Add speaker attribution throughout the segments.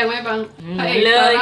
Speaker 1: งไหมบังพระเอกเลย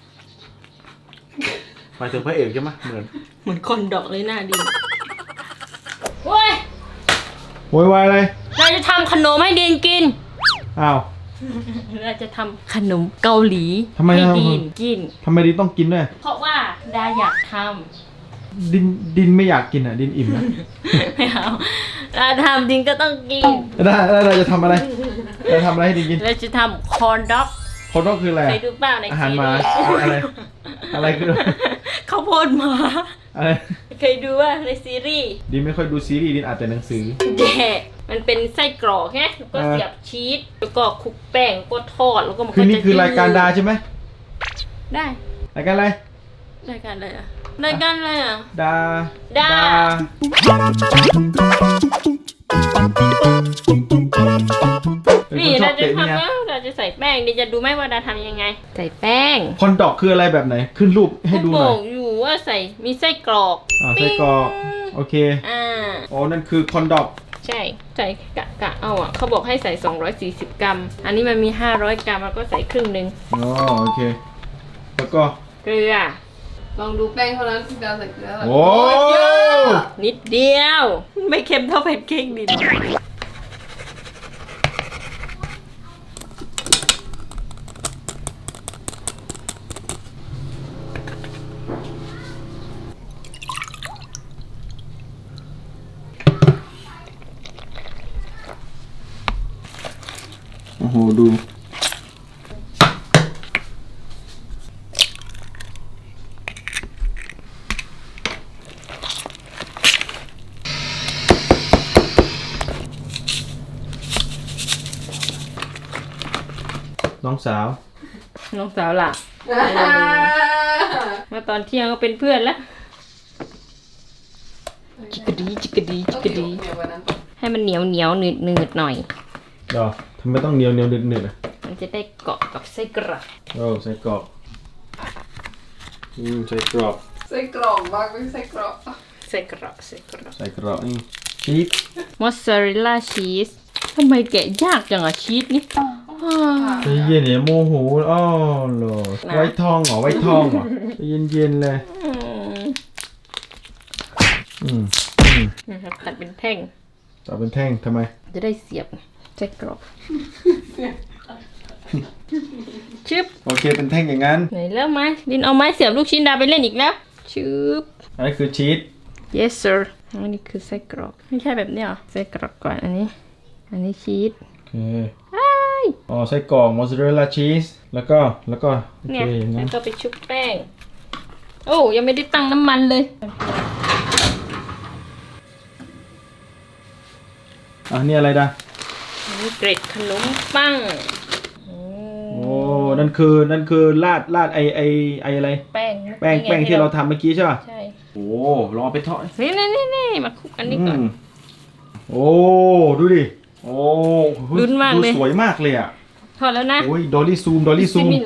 Speaker 2: หมายถึงพระเอกใช่ไหม
Speaker 3: เหมือนคนดอกเลยหน้าดีโว้ย
Speaker 2: โวยวายอะไร
Speaker 3: เราจะทำขนมให้ดีนกิน
Speaker 2: อ้าว
Speaker 3: เราจะทำขนมเกาหลี
Speaker 2: ให้
Speaker 3: ดีนกิน
Speaker 2: ทำไมดินต้องกินด้วย
Speaker 3: เพราะว่าดาอยากท
Speaker 2: ำดินไม่อยากกินอ่ะดินอิ่มนะ
Speaker 3: ไม่เอาเราทำดินก็ต้องกิน
Speaker 2: ได้เราจะทำอะไรเราทำอะไรให้ดินกิน
Speaker 3: เราจะทำคอนด็อก
Speaker 2: คอนด็อกคืออะไร
Speaker 3: เคยดูเปล่าใน
Speaker 2: อาหารมาอะไรคือ
Speaker 3: ข้าวโพดมา
Speaker 2: อะไร
Speaker 3: เคยดูว่าในซีรีส์
Speaker 2: ดินไม่ค่อยดูซีรีส์ดินอ่านแต่หนังสือ
Speaker 3: แย่มันเป็นไส้กรอกแค่แล้วก็เสียบชีสแล้วก็คลุกแป้งแล้วก็ทอดแล้วก็มันก็จะ
Speaker 2: นี่คือรายการดาใช่ไหม
Speaker 3: ได้
Speaker 2: รายการอะไร
Speaker 3: รายการอะไรอ่ะรายการอะไรอ่ะ
Speaker 2: ดา
Speaker 3: นี่เราจะทำแล้วเราจะใส่แป้งดิจะดูไหมว่าดาทำยังไงใส่แป้ง
Speaker 2: คอนดอกคืออะไรแบบไหนขึ้นรูปให้ดูหน่อย
Speaker 3: บอกอยู่ว่าใส่มีไส้กรอก
Speaker 2: ไส้กรอกโอเคอ๋อนั่นคือคอนดอก
Speaker 3: ใช่ใส่กะเอาอ่ะเขาบอกให้ใส่240 กรัมอันนี้มันมี500 กรัมแล้วก็ใส่ครึ่งนึง
Speaker 2: อ๋อโอเคแล้วก็
Speaker 3: เกลือ
Speaker 1: ลองดูแป้งเท่านั้นพี่ดาวใส่เกลือ
Speaker 2: โอ้
Speaker 3: นิดเดียวไม่เค็มเท่าแพนเค้กดิ
Speaker 2: โอ้โหดูน้องสาว
Speaker 3: ล่ะมาตอนเที่ยงก็เป็นเพื่อนแล้วจิกกะดีให้มันเหนียวหนืดหน่อย
Speaker 2: เดี๋ยวทำไมต้องเหนียวหนืดอ่ะ
Speaker 3: มันจะได้เกาะกับไส้กรอก
Speaker 2: ไส้กรอกไส้กรอก
Speaker 1: บ้างไม่ไส้กรอก
Speaker 2: นี่ชีส
Speaker 3: มอสซาเรลล่าชีสทำไมแกะยากจังอะชีสนี่
Speaker 2: ใจเย็นเนี่ยโมโหอ้อเหรอไว้ทองเหรอเย็นเลย
Speaker 3: ตัดเป็นแท่ง
Speaker 2: ทำไม
Speaker 3: จะได้เสียบไส้กรอกชึบ
Speaker 2: โอเคเป็นแท่งอย่างนั้น
Speaker 3: ไหนแล้วไม้ดินเอาไม้เสียบลูกชิ้นดาไปเล่นอีกแล้วชึบ
Speaker 2: อันนี้คือชีส
Speaker 3: yes sir อันนี้คือไส้กรอกไม่ใช่แบบนี้หรอไส้กรอกก่อนอันนี้ชีส
Speaker 2: โอเคอ๋อไส้กรอกมอสซาเรลล่าชีสแล้วก็โอเคอย่างนั้น
Speaker 3: แล้วก็ไปชุบแป้งโอ้ยังไม่ได้ตั้งน้ำมันเลย
Speaker 2: นี่อะไรดา
Speaker 3: นี่เกล็ดขนมปัง
Speaker 2: โอ้นั่นคือราดไออะไร
Speaker 3: แป้
Speaker 2: งที่เราทำเมื่อกี้ใช่ป่ะ
Speaker 3: ใช่
Speaker 2: โอ้ลองเอาไปทอด
Speaker 3: นี่มาคลุกอันนี้ก่อน
Speaker 2: โอ้ดูดิโอ้
Speaker 3: ลุ้นมากเลย
Speaker 2: สวยมากเลยอ่ะ
Speaker 3: ทอดแล้วนะ
Speaker 2: โอ้ยดอลลี่ซูมโอ้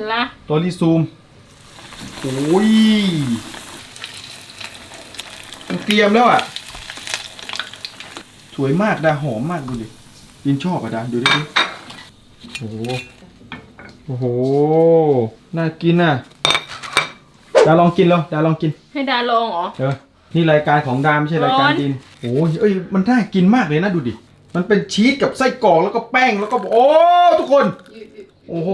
Speaker 2: ยเตรียมแล้วอ่ะสวยมากดาหอมมากดูดิยินชอบอ่ะดาดูดิโอ้โหน่ากินอ่ะดาลองกินแล้วดาลองกิน
Speaker 3: ให้ดาลองเหรอ
Speaker 2: นี่รายการของดาไม่ใช่รายการดินโอ้ยมันน่ากินมากเลยนะดูดิมันเป็นชีสกับไส้กรอกแล้วก็แป้งแล้วก็โอ้ทุกคนโอ้โห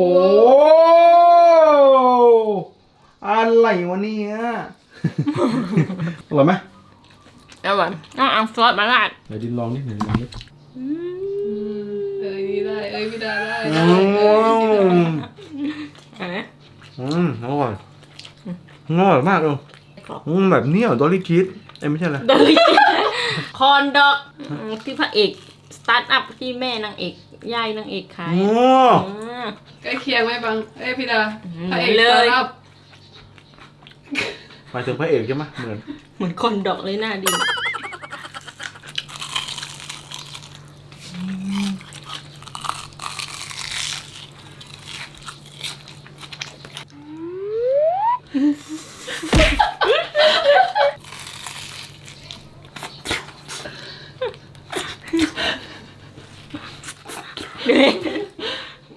Speaker 2: อะไรวะเนี่ยอร่อยไหม
Speaker 3: อร่อยเอาซอสมาราด
Speaker 2: เดี๋ยวดินลองนิดนี่
Speaker 1: ได้พี่ดาได้
Speaker 2: อร่อยมากเลยแบบนี้ดอลลี่ชีสไม่ใช่อะไร
Speaker 3: ดอลลี่คอนดอกที่พระเอกสตาร์ทอัพที่แม่นางเอกยายนางเอกขาย
Speaker 1: ใกล้เคียงไหมบังพี่ดาพระเอกสตาร์ทอัพ
Speaker 2: หมายถึงพระเอกใช่ไหม
Speaker 3: เหมือนคอนดอกเลยหน้าดี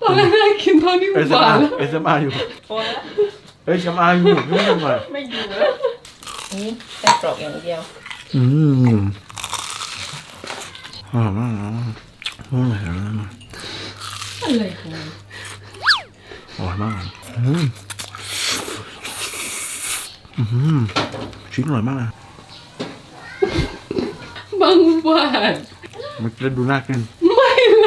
Speaker 1: ตอนแรกน่ากินตอนนี้หวานแล้ว
Speaker 2: เอสมาอยู่
Speaker 3: พอแล้ว
Speaker 2: เอ้ยชมาอยู่ไม่ทำไม
Speaker 3: ไม่อยู่แล้วนี่แค่กรอกอย่างเดียว
Speaker 2: อร่อยมากนะอร่อยมาก
Speaker 3: อะไรของมัน
Speaker 2: อร่อยมากชิ้นอร่อยมากนะ
Speaker 1: บางหวาน
Speaker 2: มันจะดูน่ากิน
Speaker 1: ไม่เลย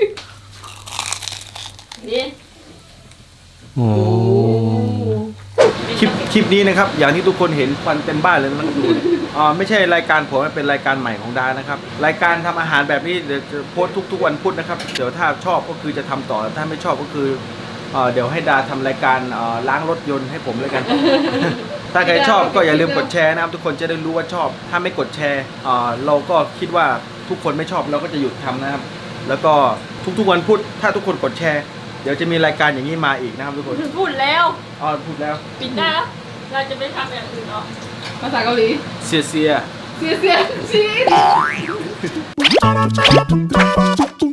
Speaker 3: นี่
Speaker 2: โอ้คลิปนี้นะครับ อย่างที่ทุกคนเห็นควันเต็มบ้านเลยนะครับดูเนี่ยไม่ใช่รายการผมมันเป็นรายการใหม่ของดานะครับ รายการทำอาหารแบบนี้เดี๋ยวจะโพสต์ทุกวันพุธนะครับ เดี๋ยวถ้าชอบก็คือจะทำต่อถ้าไม่ชอบก็คือเดี๋ยวให้ดาทำรายการล้างรถยนต์ให้ผมเลยกัน ถ้าใครชอบก็อย่าลืมกดแชร์นะครับทุกคนจะได้รู้ว่าชอบ ถ้าไม่กดแชร์เราก็คิดว่าทุกคนไม่ชอบเราก็จะหยุดทำนะครับ แล้วก็ทุกวันพุธถ้าทุกคนกดแชร์ เดี๋ยวจะมีรายการอย่างนี้มาอีกนะครับทุกคน
Speaker 3: พูดแล้ว
Speaker 2: พูดแล้ว
Speaker 3: ปิดได้แล้วเราจะไปทำอย่างอื่นหรอ
Speaker 1: ภาษาเกาหลี
Speaker 2: เสีย
Speaker 1: เสียชีส